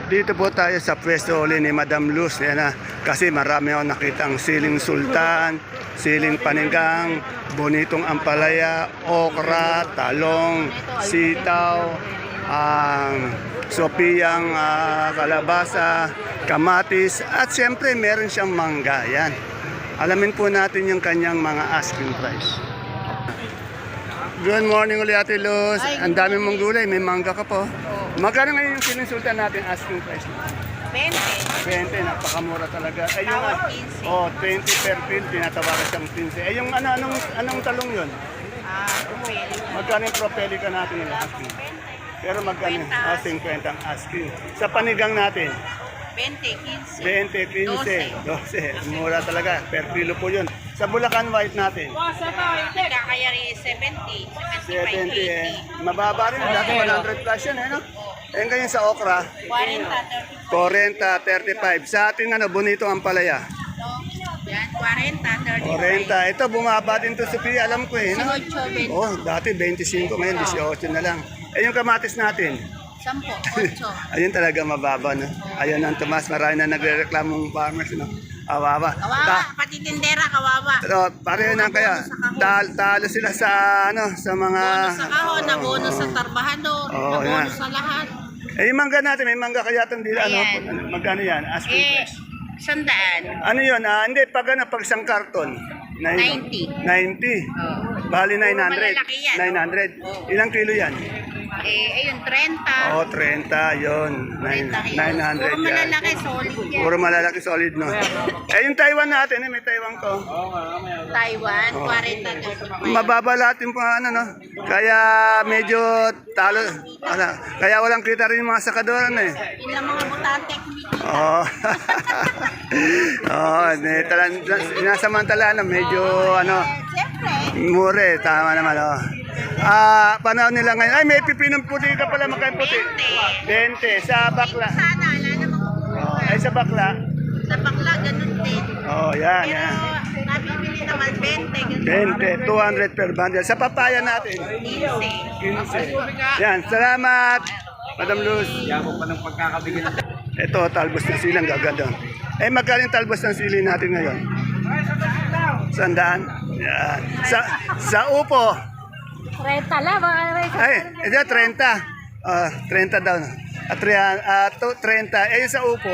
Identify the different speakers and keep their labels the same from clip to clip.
Speaker 1: Dito po tayo sa pwesto uli ni Madam Luz. Yan na. Kasi marami ako nakitang siling sultan, siling panigang, bonitong ampalaya, okra, talong, sitaw, sopiyang kalabasa, kamatis, at siyempre meron siyang mangga. Yan. Alamin po natin yung kanyang mga asking price. Good morning ulit Ate Luz. Ang dami mong gulay, may mangga ka po. Magkano ngayon yung siling sultan natin asking price?
Speaker 2: 20.
Speaker 1: 20, napakamura talaga. Ay, yung,
Speaker 2: Tawag 15.
Speaker 1: 20 per pin, tinatawaran siyang 15. Ay, yung anong talong yun?
Speaker 2: Propel.
Speaker 1: Magkano yung propelica natin yung asking? Pero magkano? 50 ang asking. Sa panigang natin?
Speaker 2: 20,
Speaker 1: 20,
Speaker 2: 15.
Speaker 1: 15, 12. Mura talaga. Per kilo po yun. Sa Bulacan White natin?
Speaker 2: Kaya rin 70.
Speaker 1: 70 eh. Mababa rin. Dati 100 plus yan eh, no? Eh, ganyan sa okra?
Speaker 2: 40,
Speaker 1: 40, 35. Sa ating bonito ang palaya?
Speaker 2: Yan, 40,
Speaker 1: 40. Ito, bumaba din to sa Pia, alam ko eh. No?
Speaker 2: 18, 20.
Speaker 1: Oh, dati 25, ngayon 18 na lang. Eh, yung kamatis natin?
Speaker 2: 10, 8.
Speaker 1: Ayun talaga mababa, no? Ayun ang Tomas, marami na nagre-reklamong farmers, no? Awawa.
Speaker 2: Kawawa, pati tindera, kawawa.
Speaker 1: Pero pareho na kaya. Talo sila sa sa mga
Speaker 2: Bonus sa kahon, na bonus sa trabahador,
Speaker 1: Oo,
Speaker 2: na bonus
Speaker 1: yan.
Speaker 2: sa lahat.
Speaker 1: Eh, yung mangga natin, may mangga kaya itong dila,
Speaker 2: Ayan.
Speaker 1: magkano yan? Asking price.
Speaker 2: 100.
Speaker 1: Ano yun? Hindi, pag pag isang karton.
Speaker 2: 90.
Speaker 1: 90. Bali 900.
Speaker 2: Malalaki yan.
Speaker 1: 900. Ilang kilo yan?
Speaker 2: Ayun, 30.
Speaker 1: Oh, 30, yun.
Speaker 2: 30 kilos.
Speaker 1: 900
Speaker 2: Puro
Speaker 1: yan.
Speaker 2: malalaki, solid yan.
Speaker 1: Puro malalaki solid, no? Eh, yung Taiwan natin, may Taiwan ko.
Speaker 2: Taiwan,
Speaker 1: Oh.
Speaker 2: 40.
Speaker 1: Mababa lahat yung no? Kaya medyo talo. Kaya walang kita rin yung mga sakadoran, eh.
Speaker 2: Yun lang mga butante.
Speaker 1: Oo. Oo, sinasamantala na medyo
Speaker 2: Siyempre.
Speaker 1: mure, tama naman, oh. Panahon nila ngayon. Ay, may pipinong puti ka pala, magkano puti? 20. Sa bakla.
Speaker 2: Sana, wala namang
Speaker 1: Ay, sa bakla.
Speaker 2: sa bakla, ganun din.
Speaker 1: Oh, yan,
Speaker 2: Pero,
Speaker 1: yan.
Speaker 2: nabibili naman 20. Ganun.
Speaker 1: 20, 200 per bundle. Sa papaya natin,
Speaker 2: 15.
Speaker 1: 15. Yan, salamat, Madam Luz. Ito, talbos ng silang gaganda. Eh, magkano yung talbos ng sili natin ngayon? 100? Yan. Sa upo,
Speaker 2: 30 lang, mga
Speaker 1: ay, ito 30. 30 daw. 30. Eh, sa upo,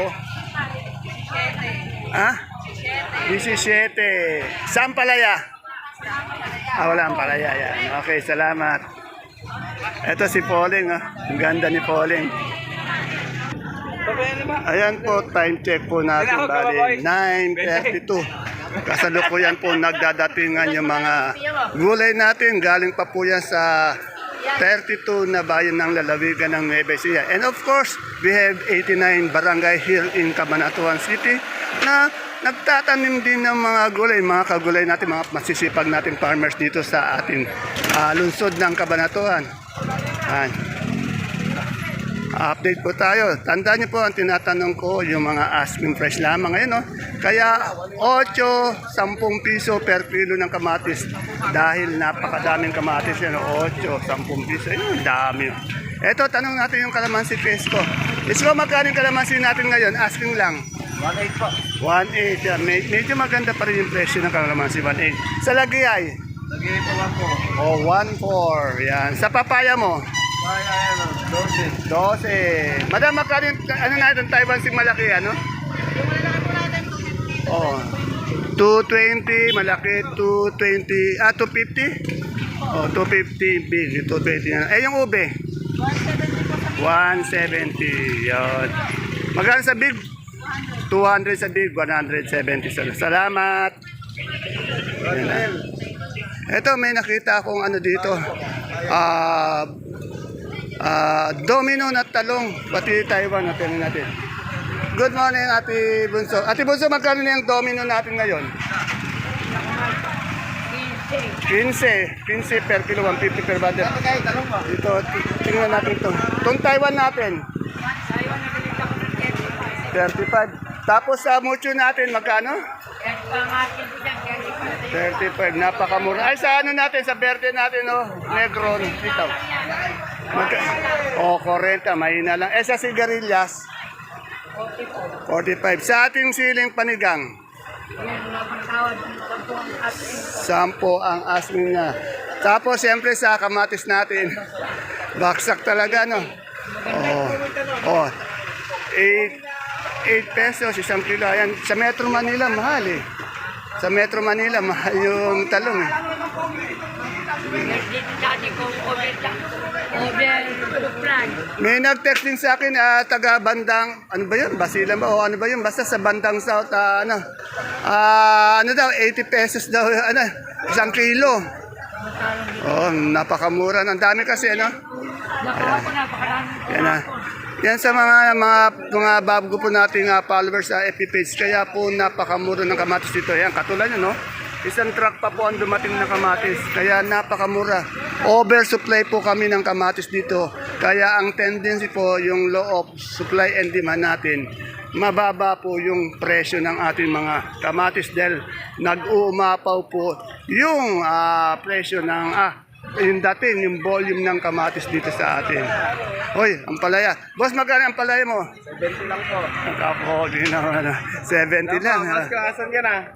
Speaker 1: 17. Saan palaya? Wala ang palaya. Yan. Okay, salamat. Ito si Pauling. Ang ganda ni Pauling. Ayan po, time check po natin. Bali, 9:32. Kasalukuyan po nagdadatingan yung mga gulay natin. Galing pa po yan sa 32 na bayan ng lalawigan ng Nueva Ecija. And of course, we have 89 barangay here in Cabanatuan City na nagtatanim din ng mga gulay, mga kagulay natin, mga masisipag nating farmers dito sa ating lungsod ng Cabanatuan. Update po tayo. Tandaan niyo po ang tinatanong ko, yung mga asking price lamang ngayon. No? Kaya 8, 10 piso per kilo ng kamatis. Dahil napakadaming kamatis yan. 8, 10 piso. Ayun, dami. Ito, tanong natin yung kalamansi pesko. Isko, magkano yung kalamansi natin ngayon? Asking lang.
Speaker 3: 1.8 po.
Speaker 1: 1.8. Yan. Medyo maganda pa rin yung presyo ng kalamansi. 1.8. Sa lagi ay?
Speaker 3: Lagi po lang po.
Speaker 1: 1.4. Yan. Sa papaya mo?
Speaker 3: Kaya 12.
Speaker 1: 12. Madam, magkano yung, natin, Taiwan sing malaki, ano? Oh. 220, malaki, 220, 250? Oh, 250 big, 220. Eh, yung ube? 170. Yun. Magkano sa big? 200 sa big, 170 sa salamat. Yan. Ito, may nakita akong dito. Domino na talong, pati Taiwan natin natin. Good morning, Ate Bunso. Ate Bunso, magkano na yung domino natin ngayon? 15 per kilo, 150 per bundle. Dito, tingnan natin ito. Itong Taiwan natin? 35. Tapos sa mucho natin, magkano? 35, napakamura. Ay, sa natin, sa verde natin, Negron, dito. 40, mahina lang. Eh, sa sigarilyas, 45. Sa ating siling panigang? 10 ang asking niya. Tapos, siyempre, sa kamatis natin, baksak talaga, no? Oh, 8 pesos, 1 kilo. Ayan, sa Metro Manila, mahal eh. Sa Metro Manila, mahal yung talong eh. May nag-text din sa akin, taga bandang, ano ba yun? Basilan ba? O ano ba yun? Basta sa bandang south, ano daw, 80 pesos daw, 1 kilo. Oh, napakamura. Ang dami kasi, ano? Yan na. Yan sa mga bago po nating followers sa FB page. Kaya po napakamura ng kamatis dito. Yan, katulad nyo, no? Isang truck pa po ang dumating na kamatis. Kaya napakamura. Oversupply po kami ng kamatis dito. Kaya ang tendency po, yung law of supply and demand natin, mababa po yung presyo ng ating mga kamatis dahil nag-uumapaw po yung presyo ng yung dating, yung volume ng kamatis dito sa atin. Hoy, ang palaya. Boss, magkano ang palaya mo?
Speaker 3: 70 lang po.
Speaker 1: Ako, di naman. 70 lang.
Speaker 3: Mas kaasan ka na.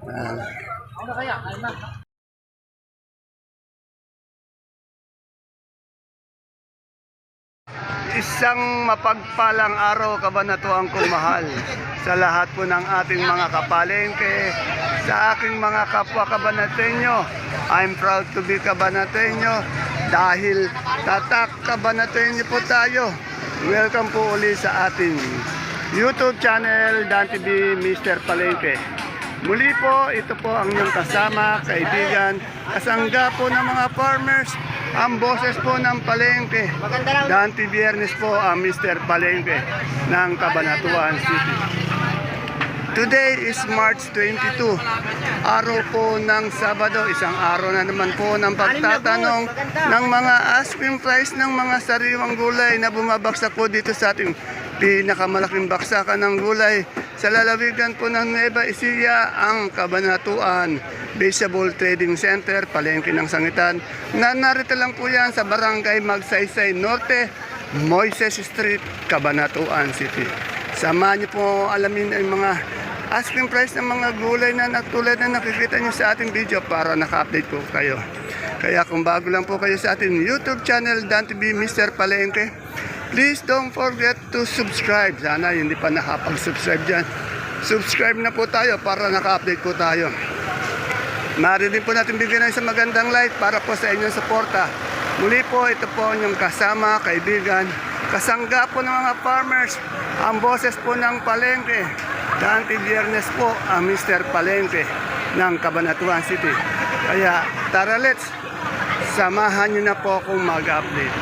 Speaker 1: Isang mapagpalang araw, kabanatuan kong mahal, sa lahat po ng ating mga kapalengke, sa aking mga kapwa kabanateño. I'm proud to be kabanateño dahil tatak kabanateño po tayo. Welcome po uli sa ating YouTube channel, Dan TV Mr. Palengke. Muli po, ito po ang inyong kasama, kaibigan, kasangga po ng mga farmers, ang boses po ng Palengke. Dante Biernes po ang Mr. Palengke ng Cabanatuan City. Today is March 22, araw po ng Sabado, isang araw na naman po ng pagtatanong ng mga asking price ng mga sariwang gulay na bumabaksak po dito sa ating pinakamalaking baksakan ng gulay sa lalawigan po ng Nueva Ecija, ang Cabanatuan Vegetable Trading Center, Palengke ng Sangitan, na narito lang po yan sa Barangay Magsaysay Norte, Moises Street, Cabanatuan City. Samahan niyo po alamin ang mga asking price ng mga gulay na tulad na nakikita niyo sa ating video para naka-update po kayo. Kaya kung bago lang po kayo sa ating YouTube channel, Dan TV Mr. Palengke, please don't forget to subscribe. Sana hindi pa nakapag-subscribe dyan. Subscribe na po tayo para naka-update po tayo. Maaari din po natin bigyan ng isang magandang like para po sa inyong suporta. Muli po, ito po ang inyong kasama, kaibigan, kasangga po ng mga farmers, ang boses po ng Palengke. Dante Biernes po ang Mr. Palengke ng Cabanatuan City. Kaya tara, let's samahan nyo na po akong mag-update.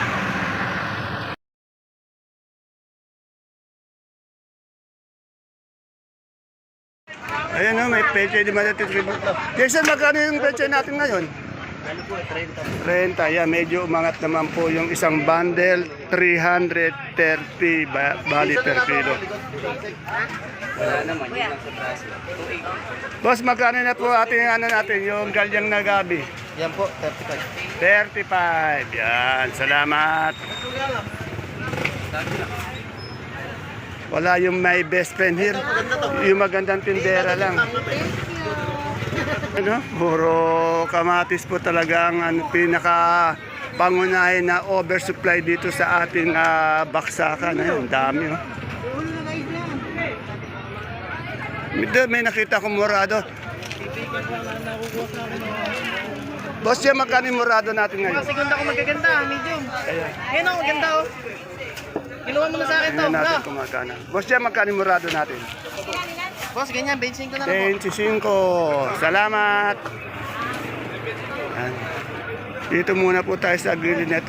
Speaker 1: Ayan o, may peche di madating. Jason, magkano yung peche natin ngayon? 30, yeah, medyo umangat naman po yung isang bundle, 330 bali per kilo. Boss, magkano na po ating natin, yung galyang na gabi?
Speaker 3: Yan po, 35.
Speaker 1: 35, yan, salamat. Wala yung my best friend here, yung magandang tindera lang. Ano? Puro kamatis po talaga ang pinaka pangunahin na oversupply dito sa ating baksakan. Ayun, dami. Oh. May nakita ko murado. Boss, yan magkano yung murado natin ngayon?
Speaker 4: Segunda ko magaganda, medium. Ayun ako, maganda oh. Kiluha mo na sa akin to.
Speaker 1: Tingnan natin kung magkano. Boss, yan magkano yung murado natin?
Speaker 4: Boss, ganyan, 25 na lang po.
Speaker 1: 25. Salamat. Yan. Dito muna po tayo sa grilling nito.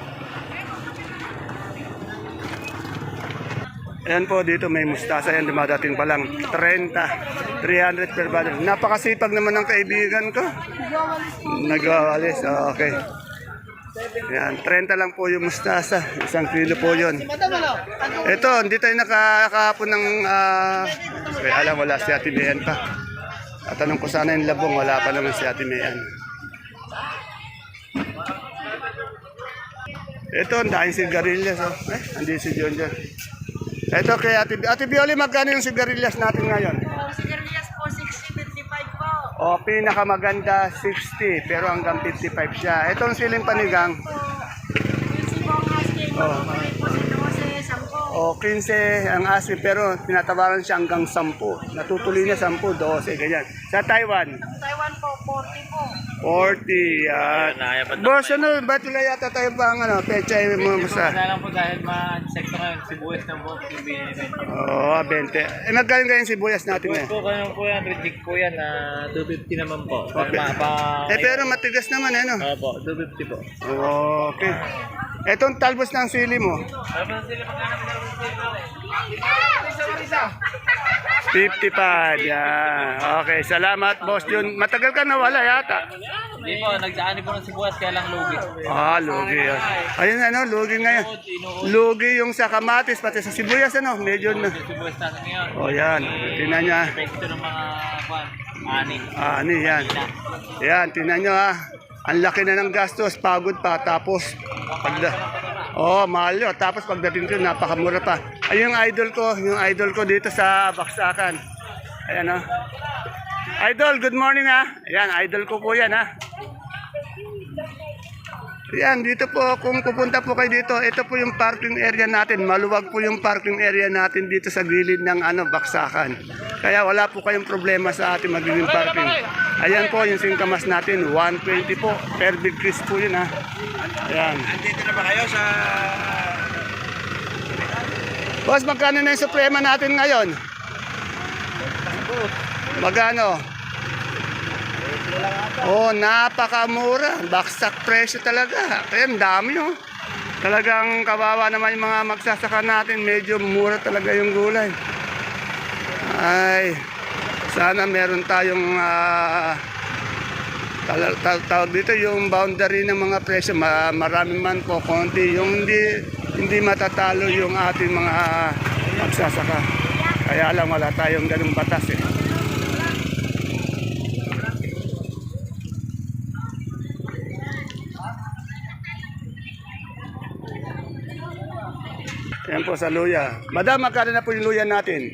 Speaker 1: Ayan po, dito may mustasa yan, dumadating pa lang 30, 300 per bundle. Napakasipag naman ng kaibigan ko. Nagawalis, okay. Ayan, 30 lang po yung mustasa, 1 kilo po yun. Ito, hindi tayo nakakapon ng, alam, wala si Ate Mayan pa. At tanong ko sana yung labong, wala pa naman si Ate Mayan. Ito, ang daming sigarilyas. Oh. Hindi si John dyan. Ito kay Ate Bioli, magkano yung sigarilyas natin ngayon?
Speaker 2: Sigarilyas po, 60-55 po.
Speaker 1: O, pinakamaganda, 60, pero hanggang 55 siya. Itong siling panigang,
Speaker 2: Yung sibong asking,
Speaker 1: Oh.
Speaker 2: mabubuhay po sa 12, 10.
Speaker 1: o 15 ang asin, pero tinatawaran siya hanggang 10. Natutuloy niya 10, 12, ganyan. Sa Taiwan,
Speaker 2: Taiwan po, 40 po.
Speaker 1: 40, yan. Boss, ano, ba't wala yata tayo pang pechay mo sa...
Speaker 3: Kaya lang po dahil ma-sekto ngayon, sibuyas ng buhok yung binibenta.
Speaker 1: Oo, 20. Eh, magkano ganyan sibuyas natin
Speaker 3: Sibuyas
Speaker 1: eh?
Speaker 3: po, kaya po yan, reject po yan, 250 naman po.
Speaker 1: Okay. Pero matigas naman eh, no?
Speaker 3: Opo, 250 po.
Speaker 1: Okay. Etong talbos ng sili mo? 55, yan. Okay, salamat, boss Jun. Matagal ka nawala yata.
Speaker 3: Hindi po, nagsaani po ng sibuyas, kaya lang lugi.
Speaker 1: Lugi yan. Ayun lugi ngayon. Lugi yung sa kamatis, pati sa sibuyas, medyo na.
Speaker 3: Sibuyas natin ngayon.
Speaker 1: Yan. Tingnan niya.
Speaker 3: Epekto ng mga, ani.
Speaker 1: Ano yan? Yan, tingnan nyo Ang laki na ng gastos, pagod pa, tapos mahal yun. Tapos pagdating ko, napakamura pa. Ay, yung idol ko dito sa Baksakan. Ayan Idol, good morning Ayan, idol ko po yan Ayan, dito po, kung pupunta po kayo dito, ito po yung parking area natin. Maluwag po yung parking area natin dito sa gilid ng Baksakan. Kaya wala po kayong problema sa ating magiging parking. Ayan po yung singkamas natin, 120 po. Per big Chris po yun Ayan.
Speaker 3: Andito na ba kayo sa...
Speaker 1: Boss, magkano na yung suprema natin ngayon? Magkano? Napakamura. Baksak presyo talaga. Kaya ang dami Talagang kawawa naman yung mga magsasaka natin. Medyo mura talaga yung gulay. Ay, sana meron tayong tawag dito yung boundary ng mga presyo. Marami man po, konti. Yung hindi matatalo yung ating mga magsasaka. Kaya lang wala tayong ganung batas Ayan po sa luya. Madam, magkano na po yung luya natin?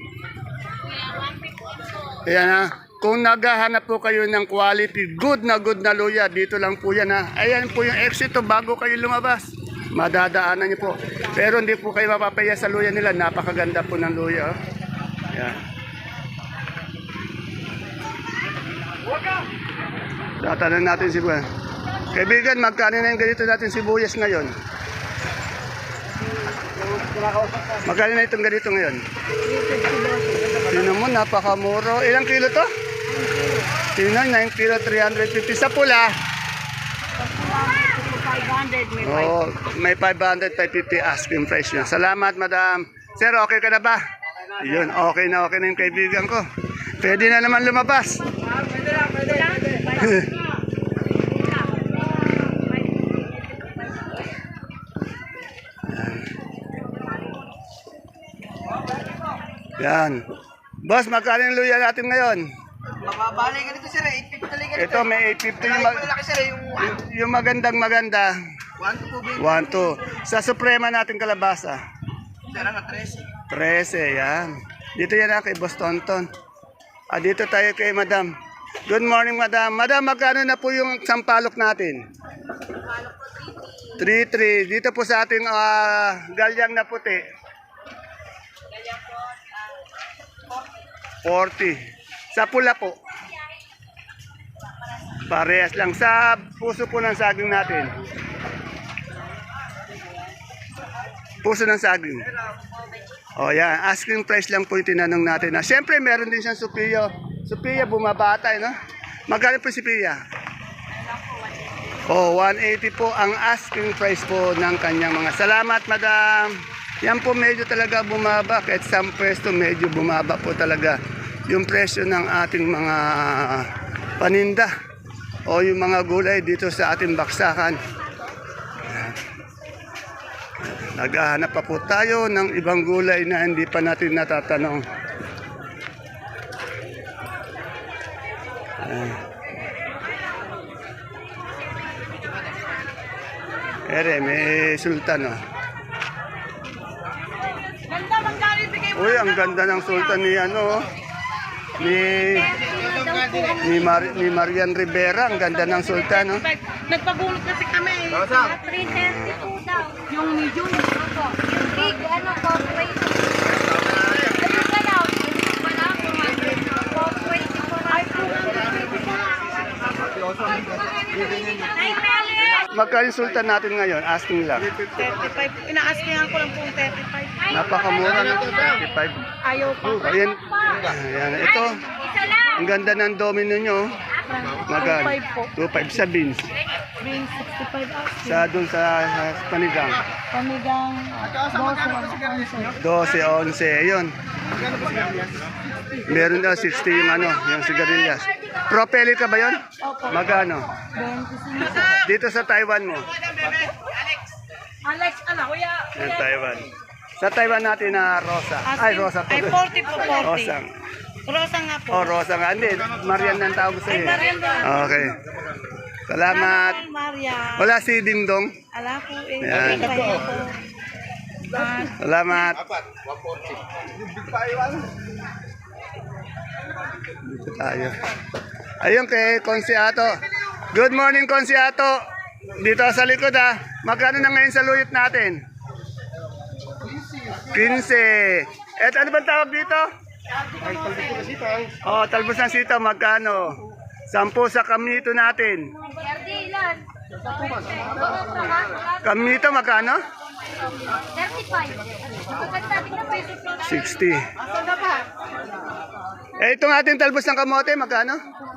Speaker 1: Ayan Kung naghahanap po kayo ng quality, good na luya, dito lang po yan Ayan po yung exito bago kayo lumabas. Madadaanan niyo po. Pero hindi po kayo mapapaya sa luya nila. Napakaganda po ng luya. Ayan. Tatanong natin si Buwan. Kaibigan, magkano na yung ganito natin sibuyas ngayon? Magkano na itong ganito ngayon? Tingnan mo, napakamuro. Ilang kilo to? Tingnan, 9 kilo, 350. Sa pula?
Speaker 2: 500,
Speaker 1: may 500, 550 asking price niya. Salamat, madam. Sir, okay ka na ba? Yun, okay na yung kaibigan ko. Pwede na naman lumabas. Yan. Boss, magkano yung luya natin ngayon?
Speaker 4: Mababali ka dito, sir. 850 talaga.
Speaker 1: Ito, may 850 yung,
Speaker 4: Malaki, sir.
Speaker 1: yung maganda.
Speaker 4: 1 to 2
Speaker 1: 1, 2. Sa suprema natin kalabasa.
Speaker 4: Sir, 13.
Speaker 1: 13, yan. Dito yan kay Boss Tonton. Dito tayo kay Madam. Good morning, Madam. Madam, magkano na po yung sampalok natin? 3-3. Dito po sa ating galyang na puti. 40. Sa pula po. Parehas lang. Sa puso po ng saging natin. Puso ng saging. Yan. Asking price lang po yung tinanong natin. Siyempre, meron din siyang Sophia. Sophia, bumabata, no? Magkano po si Sophia? 180 po ang asking price po ng kanyang mga. Salamat, madam. Yan po medyo talaga bumaba. Kahit sa pwesto, medyo bumaba po talaga yung presyo ng ating mga paninda o yung mga gulay dito sa ating baksakan. Naghahanap pa po tayo ng ibang gulay na hindi pa natin natatanong. May sultan
Speaker 2: Ganda, magkano
Speaker 1: Uy, ang ganda ng sultan ni ano, ni Marian Rivera. Ang ganda ng sultan, no?
Speaker 4: Nagpagulot kasi kami.
Speaker 2: 330 po daw.
Speaker 4: Yung medium.
Speaker 2: Opo. Yung big, ano po, 20. Ano ka daw? Wala po, 420 po. Ay, 220 po. Ay, Meli!
Speaker 1: Magkano yung sultan natin ngayon? Asking lang.
Speaker 4: 35. Ina-askingan ko lang po 35.
Speaker 1: Napakamura ng 35.
Speaker 4: Ayaw po.
Speaker 1: Ayan. Ayan. Ito,
Speaker 2: Isa lang!
Speaker 1: ang ganda ng domino nyo. Magkano?
Speaker 4: 25 po.
Speaker 1: 2.5 sa beans.
Speaker 4: Green 65 asking.
Speaker 1: Sa doon sa panigang.
Speaker 4: Pamigang
Speaker 1: 12,
Speaker 4: 12.
Speaker 1: 11. Ayun. Meron daw 60 yung ano, yung sigarilyas. Propelli ka ba yun?
Speaker 4: Opo.
Speaker 1: Magkano?
Speaker 4: 25.
Speaker 1: Dito sa Taiwan mo.
Speaker 4: Alex, ano, kuya?
Speaker 1: Yung Taiwan. Sa Taiwan natin na Rosa. Ay, Rosa to.
Speaker 4: Ay, 40 po, 40.
Speaker 1: Rosa.
Speaker 4: Rosa nga po.
Speaker 1: Oh, Rosa nga. Hindi, Marian ang tawag sa'yo.
Speaker 4: Ay, Marian din.
Speaker 1: Okay. Salamat.
Speaker 4: Hi, Maria.
Speaker 1: Wala si Dingdong.
Speaker 4: Ala po eh.
Speaker 1: Yan.
Speaker 4: Kaya po.
Speaker 1: Salamat. Dito tayo. Ayun kay Konsiato. Good morning, Konsiato. Dito sa likod ha. Magkano na ngayon sa luyot natin? 15. Et ano bang tawag dito? Oh, talbos ng sitaw. Magkano? 10 sa kamnito natin.
Speaker 2: Yardi, ilan?
Speaker 1: Kamnito magkano?
Speaker 2: 35. Maganda din na peso.
Speaker 1: 60. Eh, itong ating talbos ng kamote, magkano?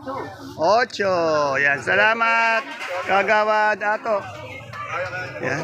Speaker 1: 8. Yan, salamat. Kagawad ato. Yan.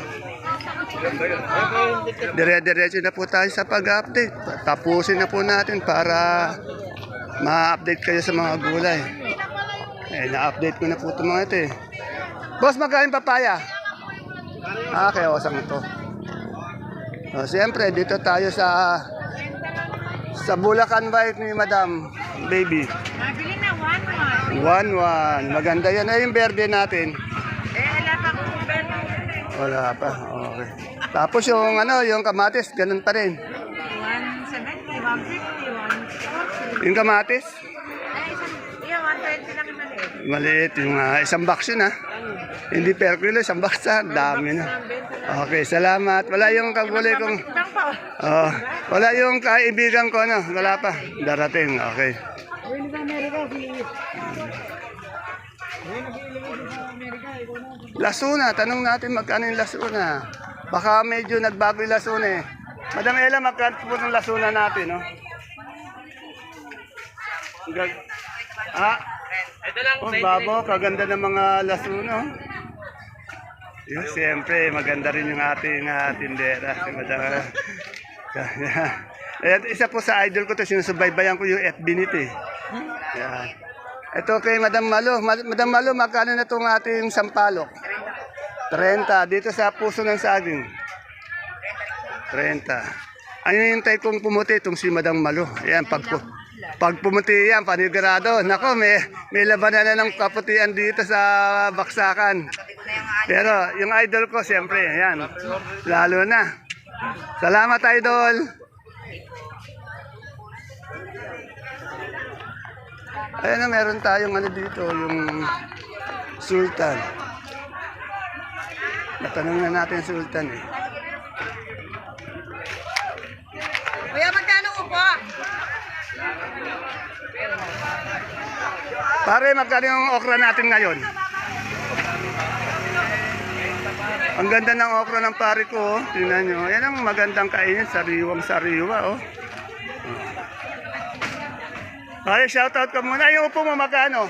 Speaker 1: Dire-diretso na po tayo sa pag-update. Tapusin na po natin para ma-update kayo sa mga gulay. Eh, na-update ko na po itong mga ito eh. Boss, magkano papaya? Okay, osang ito. Siyempre, dito tayo sa Bulacan White ni Madam Baby.
Speaker 4: Nabili na 1-1.
Speaker 1: 1-1. Maganda yan. Ay, yung verde natin.
Speaker 4: Wala pa kung benta.
Speaker 1: Wala pa. Okay. Tapos yung ano, yung kamatis, ganun pa rin.
Speaker 4: 170, 150, 140.
Speaker 1: Yung kamatis,
Speaker 4: Iya, 120 lang yung maliit.
Speaker 1: maliit. Yung isang box yun ha. Hindi per kilo, isang box ha. Dami na. Okay, salamat. Wala yung kagulay kong...
Speaker 4: Lang pa.
Speaker 1: Oh, wala yung kaibigan ko, no? Wala pa. Darating, okay. Lasuna, tanong natin magkano yung lasuna. Baka medyo nagbago yung lasuna eh. Madam Ella, magkano po yung lasuna natin, no?
Speaker 3: Ito lang,
Speaker 1: Oh, babo, kaganda ng mga lasuna. Oh. Yun, siyempre, maganda rin yung ating tindera. Si Madam. Ayan, isa po sa idol ko to, sinusubaybayan ko yung FB nito eh. Yan. Ito kay Madam Malo. Madam Malo, magkano na itong ating sampalok? 30. Dito sa puso ng saging. 30. Ano yung type kong pumuti? Itong si Madam Malo. Ayan, pag pumuti yan, panigurado. Nako, may labanan na ng kaputian dito sa baksakan. Pero yung idol ko, siyempre, ayan. Lalo na. Salamat, idol. Ayan na, meron tayong ano dito, yung sultan. Natanong na natin yung sultan eh.
Speaker 4: Kuya, magkano upo?
Speaker 1: Pare, magkano yung okra natin ngayon? Ang ganda ng okra ng pare ko, oh. Tingnan nyo. Yan ang magandang kainin, sariwang-sariwa, oh. Pare, shoutout ka muna. Yung upo mo, magkano?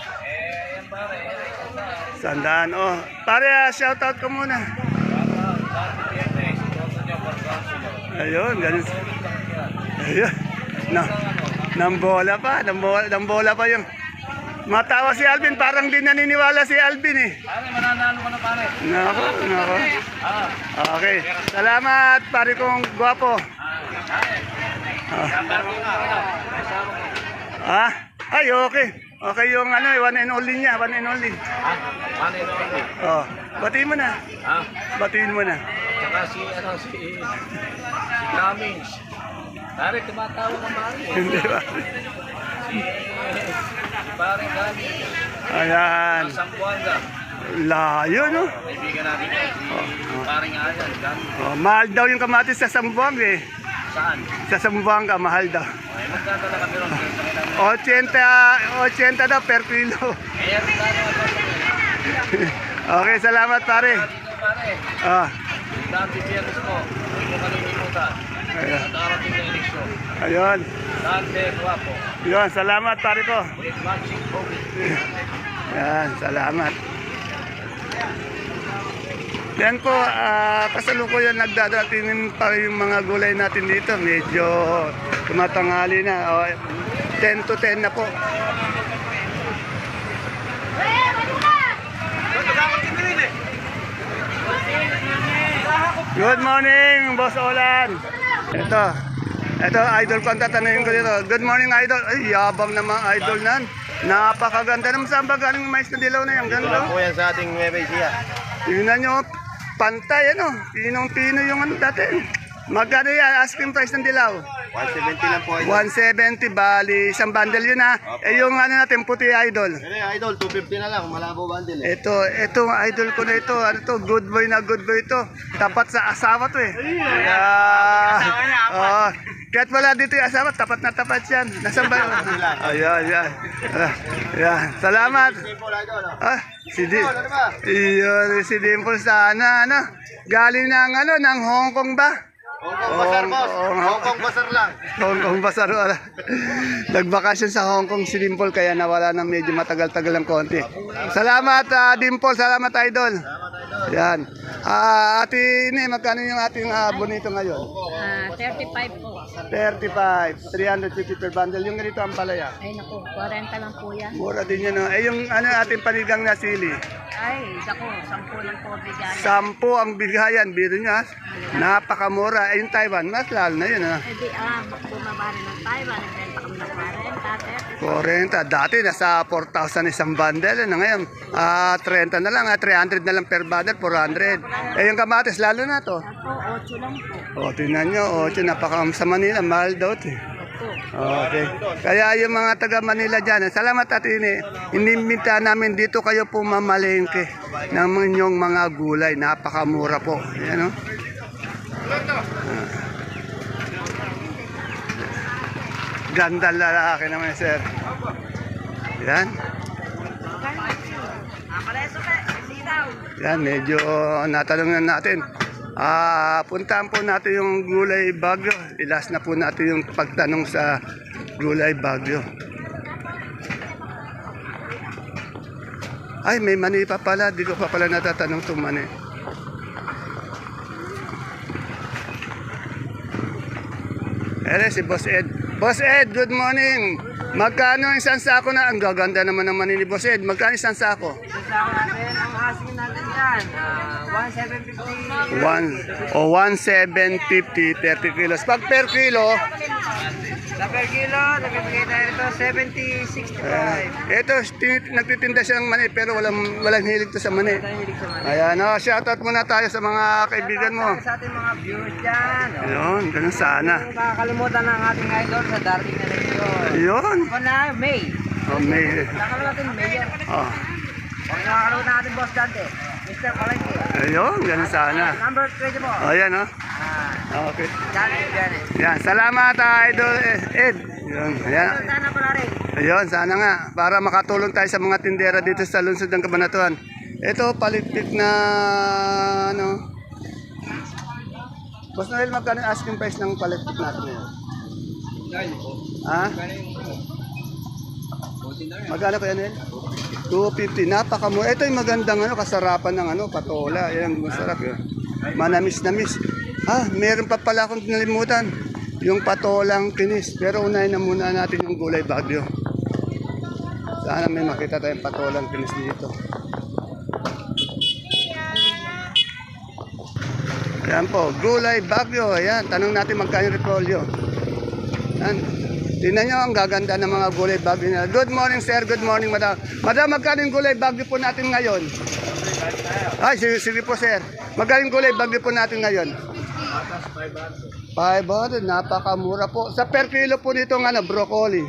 Speaker 1: Sandaan, oh. Pare, shoutout ka muna. Ayun, ganun. Ayun. Nambola pa yung... Matawa si Alvin, parang di naniniwala si Alvin eh.
Speaker 3: Pare, mananalo ka na pare.
Speaker 1: Nako. Okay. Salamat, pare kong gwapo. Ay, okay. Okay yung ano, one and only niya, one and only.
Speaker 3: Pare, no?
Speaker 1: Oh, batiin mo na. Batiin mo na.
Speaker 3: Saka si Cummings. Pare, tumatawag ng Mari.
Speaker 1: Hindi ba?
Speaker 3: Pare, gani.
Speaker 1: Ayan.
Speaker 3: Sambuanga.
Speaker 1: Layo, no?
Speaker 3: Kaibigan natin yan. Si paring Ayan. Gani.
Speaker 1: Oh, mahal daw yung kamatis sa Zamboanga eh.
Speaker 3: Saan?
Speaker 1: Sa Zamboanga, mahal daw.
Speaker 3: Ay, magdadala kami ron. Kaya sa kailangan.
Speaker 1: 80 daw per kilo.
Speaker 3: Kaya rin tayo
Speaker 1: Okay, salamat pare.
Speaker 3: dito, pare.
Speaker 1: Ah,
Speaker 3: Dati Pierres po. Huwag mo kalilimutan.
Speaker 1: ayan.
Speaker 3: At darating na eleksyon.
Speaker 1: Ayun.
Speaker 3: Dante Guapo.
Speaker 1: Yun, salamat pare ko.
Speaker 3: With matching COVID.
Speaker 1: Yan, salamat. Yan po, kasalukuyan nagdadatingin pa yung mga gulay natin dito. Medyo tumatangali na. O, 10 to 10 na po. Good morning, Boss Olan. Ito, idol ko ang tatanungin ko dito. Good morning, idol. Ay, yabang naman, idol nan. Napakaganda naman. Saan ba galing yung mais na dilaw na yan? Ganda.
Speaker 3: po yan sa ating Nueva Ecija.
Speaker 1: Tingnan nyo, pantay ano. Pinong-pino yung ano dati. Magkano yan? Asking price ng dilaw?
Speaker 3: 170 lang po.
Speaker 1: 170, bali. Isang bundle yun ha. Eh yung ano natin, puti idol.
Speaker 3: Idol, 250 na lang. Malabo bundle eh.
Speaker 1: Ito, idol ko na ito. Ano to? Good boy na good boy ito. Tapat sa asawa to eh. Kahit wala dito yung asawa, tapat na tapat yan. Nasaan ba yun? Ayan. Ayan. Salamat. Si Dimple sana, ano? Galing ng ano, ng Hong Kong ba?
Speaker 3: Hong Kong Basar, boss. Hong Kong Basar lang.
Speaker 1: Hong Kong Basar, wala. Nagbakasyon sa Hong Kong si Dimple, kaya nawala ng medyo matagal-tagal ng konti. Salamat, Dimple. Salamat, idol. Yan. Ate Ine, magkano yung ating bonito ngayon?
Speaker 2: 35 po.
Speaker 1: 35, 350 per bundle. Yung ganito ang palaya.
Speaker 2: Ay naku, 40 lang po yan.
Speaker 1: Mura din yun. No? Eh, yung ano, ating panigang na sili.
Speaker 2: Ay, naku, 10 lang po bigyan.
Speaker 1: 10 ang bigayan. Biro niya. Napakamura. Eh, yung Taiwan, mas lalo na yun.
Speaker 2: Eh di, bumaba rin ng Taiwan. Nagbenta kami ng 40,
Speaker 1: 40. Dati nasa 4,000 isang bundle. Ano ngayon? 30 na lang. 300 na lang per bundle. 400. Eh, yung kamatis, lalo na to.
Speaker 2: Ako, 8 lang po.
Speaker 1: O, tingnan nyo. 8, sa Manila. Mahal daw ito. Okay. Kaya yung mga taga Manila dyan, salamat at inimita namin dito kayo po mamalengke ng inyong mga gulay. Napakamura po. Ayan, o. Ganda lalaki naman, sir. Yan. Yan, medyo natanong na natin. Puntahan po natin yung gulay Bagyo. Ilas na po natin yung pagtanong sa gulay Bagyo. Ay, may mani pa pala. Di ko pa pala natatanong itong mani. Ere, si Boss Ed. Boss Ed, good morning. Magkano ang isang sako na? Ang gaganda naman ng mani ni Boss Ed. Magkano isang sako?
Speaker 4: Isang natin, ang asking natin yan, 1,750.
Speaker 1: 1,750, 30 kilos. Pag per kilo,
Speaker 4: Sa per kilo, nabibigay tayo nito 70, 65.
Speaker 1: ito, nagtitinda siya ng mani pero walang hilig to sa mani.
Speaker 4: Hilig sa mga.
Speaker 1: Ayan, shoutout muna tayo sa mga kaibigan mo.
Speaker 4: Sa ating mga viewers dyan.
Speaker 1: Ayun, ganun sana.
Speaker 4: Kung kakalimutan ng ating idol sa darating na eleksyon.
Speaker 1: Ayun.
Speaker 4: Ako na, May.
Speaker 1: May,
Speaker 4: Kakalimutan natin, Mayor.
Speaker 1: oh,
Speaker 4: Kung nakakalimutan natin, Boss Dante. Mr. Palengke.
Speaker 1: ayun, ganun sana.
Speaker 4: Number 20 po.
Speaker 1: Ayan, oh.
Speaker 4: Ah,
Speaker 1: Okay.
Speaker 4: Janet, Janet.
Speaker 1: Yan, salamat, Idol Ed. Ayun, ayan.
Speaker 4: Sana pala rin.
Speaker 1: Ayun, sana nga. Para makatulong tayo sa mga tindera dito sa lungsod ng Cabanatuan. Ito, palikpik na, ano. Boss Noel, magkano yung asking price ng palikpik natin ngayon? Ha? Magkano kaya Noel? 250. Napakamura. Ito yung magandang ano, kasarapan ng ano, patola. Yan ang masarap yun. Manamis-namis. Meron pa pala akong nalimutan. Yung patolang kinis. Pero unahin na muna natin yung gulay Bagyo. Sana may makita tayong patolang kinis dito. Ayan po, gulay Bagyo. Ayan, tanong natin magkano yung repolyo. Ayan. Tingnan nyo, ang gaganda ng mga gulay Bagyo nila. Good morning, sir. Good morning, madam. Madam, magkano yung gulay Bagyo po natin ngayon? Ay, sige po, sir. Magkano yung gulay Bagyo po natin ngayon? 500, napakamura po. Sa per kilo po nitong broccoli.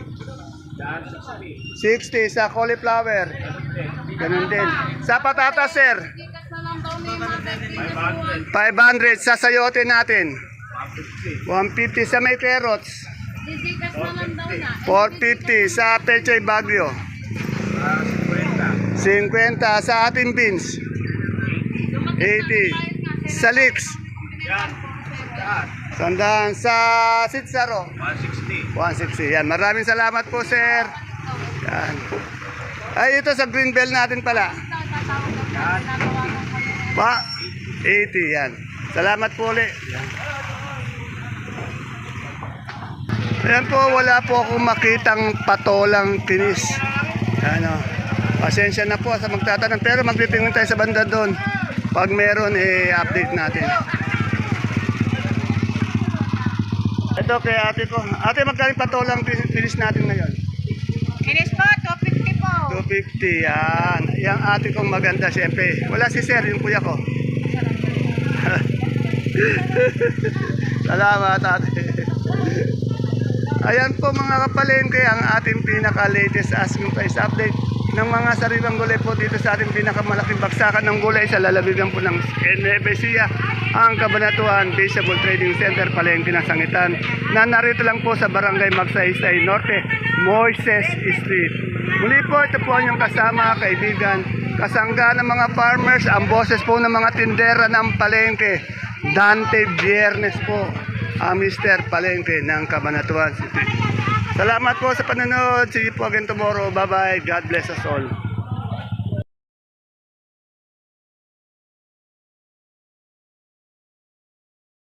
Speaker 1: 60 sa cauliflower. Ganun din. Sa patatas, sir. 500 sa sayote natin. 150 sa may carrots. 450 sa pechay bagyo. 50 sa ating beans. 80 sa leeks. Sandaan sa sitsaro. 160. Yan. Maraming salamat po, sir. Yan. Ay, ito sa green bell natin pala. Pa, 80. Yan. Salamat po ulit. Yan. Ayan po, wala po akong makitang patolang kinis. Ano, pasensya na po sa magtatanong. Pero magtitingin tayo sa banda doon. Pag meron, update natin. Ito kay ate ko. Ate, magkaling patolang kinis natin ngayon?
Speaker 4: Kinis po, 250 po.
Speaker 1: 250, yan. Yang ate kong maganda, siyempre. Wala si sir, yung kuya ko. Salamat, ate. Ayan po mga kapalengke, ang ating pinaka-latest asking price update ng mga sariwang gulay po dito sa ating pinakamalaking baksakan ng gulay sa lalawigan po ng Nueva Ecija, ang Cabanatuan Visible Trading Center, Palengke ng Sangitan, na narito lang po sa Barangay Magsaysay Norte, Moises Street. Muli po, ito po ang inyong kasama, kaibigan, kasangga ng mga farmers, ang boses po ng mga tindera ng Palengke, Dante Viernes po, ang Mr. Palengke ng Cabanatuan City. Salamat po sa panonood. See you po again tomorrow. Bye-bye. God bless us all.